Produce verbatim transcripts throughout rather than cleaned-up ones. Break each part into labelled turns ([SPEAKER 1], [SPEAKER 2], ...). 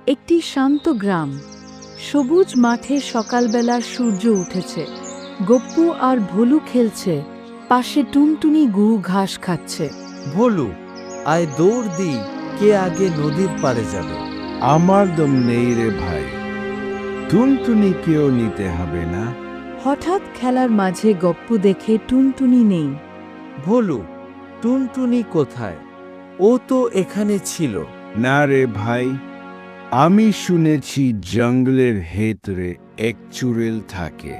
[SPEAKER 1] একটি শান্ত গ্রাম। সবুজ মাঠে সকালবেলার সূর্য উঠেছে। গপ্পু আর ভোলু খেলছে, পাশে টুনটুনি গু ঘাস খাচ্ছে।
[SPEAKER 2] ভোলু, আয় দৌড় দি, কে আগে নদীর পাড়ে যাবে?
[SPEAKER 3] আমার দম নেই রে ভাই, টুনটুনিকেও নিতে হবে না?
[SPEAKER 1] হঠাৎ খেলার মাঝে গপ্পু দেখে টুনটুনি নেই।
[SPEAKER 2] ভোলু, টুনটুনি কোথায়? ও তো এখানে ছিল।
[SPEAKER 3] না রে ভাই, আমি শুনেছি জঙ্গলের ভেতরে এক চুড়েল থাকে,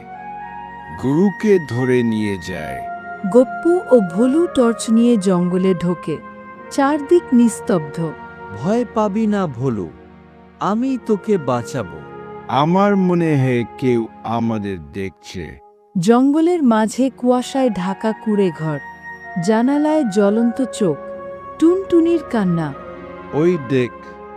[SPEAKER 3] গুরুকে ধরে নিয়ে যায়।
[SPEAKER 1] গপ্পু ও ভোলু টর্চ নিয়ে জঙ্গলে ঢোকে। চারদিক নিস্তব্ধ।
[SPEAKER 2] ভয় পাবি না ভোলু, আমি তোকে বাঁচাবো।
[SPEAKER 3] আমার মনে হয় কেউ আমাদের দেখছে।
[SPEAKER 1] জঙ্গলের মাঝে কুয়াশায় ঢাকা কুঁড়ে ঘর, জানালায় জ্বলন্ত চোখ, টুনটুনির কান্না।
[SPEAKER 3] ওই দেখ,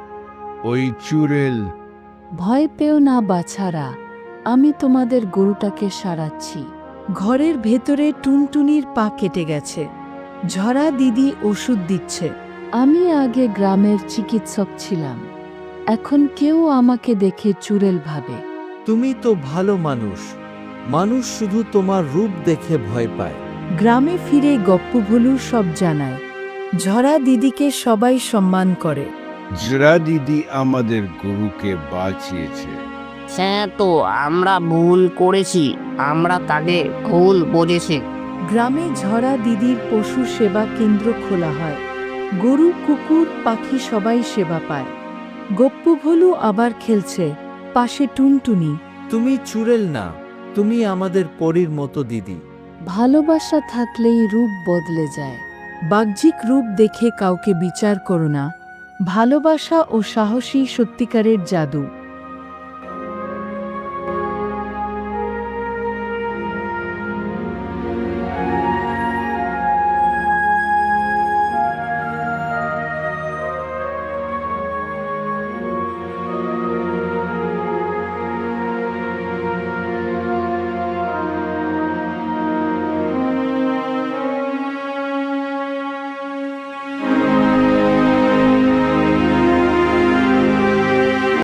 [SPEAKER 3] ওই চুড়েল।
[SPEAKER 1] ভয় পেও না বাছারা, আমি তোমাদের গরুটাকে সারাচ্ছি। ঘরের ভেতরে টুনটুনির পা কেটে গেছে। ঝরা দিদি ওষুধ দিচ্ছে। আমি আগে গ্রামের চিকিৎসক ছিলাম, এখন কেউ আমাকে দেখে চুড়েল ভাবে।
[SPEAKER 2] তুমি তো ভালো মানুষ, মানুষ শুধু তোমার রূপ দেখে ভয় পায়।
[SPEAKER 1] গ্রামে ফিরে গপ্পু ভোলু সব জানায়। ঝরা দিদিকে সবাই সম্মান করে।
[SPEAKER 3] জরা দিদি আমাদের গরুকে বাঁচিয়েছে।
[SPEAKER 4] হ্যাঁ, তো আমরা ভুল করেছি, আমরা তাকে ভুল বুঝেছি।
[SPEAKER 1] গ্রামে ঝরা দিদির পশু সেবা কেন্দ্র খোলা হয়। গরু, কুকুর, পাখি সবাই সেবা পায়। গপ্পু ভোলু আবার খেলছে, পাশে টুনটুনি।
[SPEAKER 2] তুমি চুড়েল না, তুমি আমাদের পরীর মতো দিদি।
[SPEAKER 1] ভালোবাসা থাকলেই রূপ বদলে যায়। বাহ্যিক রূপ দেখে কাউকে বিচার করো না। ভালোবাসা ও সাহসী সত্যিকারের জাদু।